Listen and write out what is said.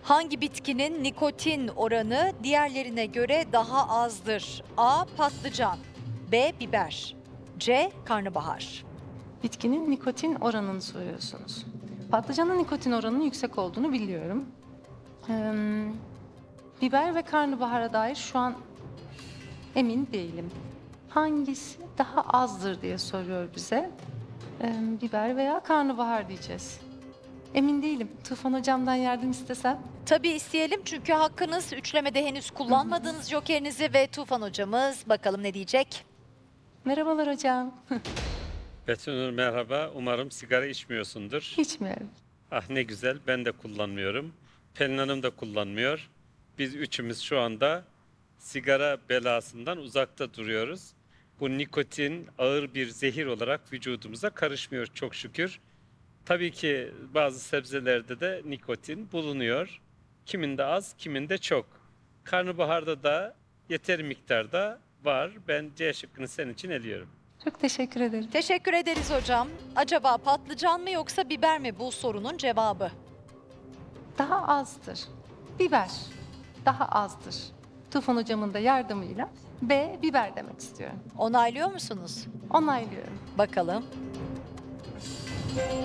Hangi bitkinin nikotin oranı diğerlerine göre daha azdır? A. Patlıcan, B. Biber, C. Karnabahar. Bitkinin nikotin oranını soruyorsunuz. Patlıcanın nikotin oranının yüksek olduğunu biliyorum. Biber ve karnabahara dair şu an emin değilim. Hangisi daha azdır diye soruyor bize. Biber veya karnabahar diyeceğiz. Emin değilim. Tufan hocamdan yardım istesem. Tabii isteyelim çünkü hakkınız üçlemede henüz kullanmadığınız jokerinizi ve Tufan hocamız bakalım ne diyecek? Merhabalar hocam. Betünür merhaba. Umarım sigara içmiyorsundur. İçmiyorum. Ah ne güzel. Ben de kullanmıyorum. Pelin Hanım da kullanmıyor. Biz üçümüz şu anda sigara belasından uzakta duruyoruz. Bu nikotin ağır bir zehir olarak vücudumuza karışmıyor çok şükür. Tabii ki bazı sebzelerde de nikotin bulunuyor. Kiminde az, kiminde çok. Karnabaharda da yeteri miktarda var. Ben C şıkkını senin için eliyorum. Çok teşekkür ederim. Teşekkür ederiz hocam. Acaba patlıcan mı yoksa biber mi bu sorunun cevabı? Daha azdır. Biber daha azdır. Tufan hocamın da yardımıyla B. Biber demek istiyorum. Onaylıyor musunuz? Onaylıyorum. Bakalım.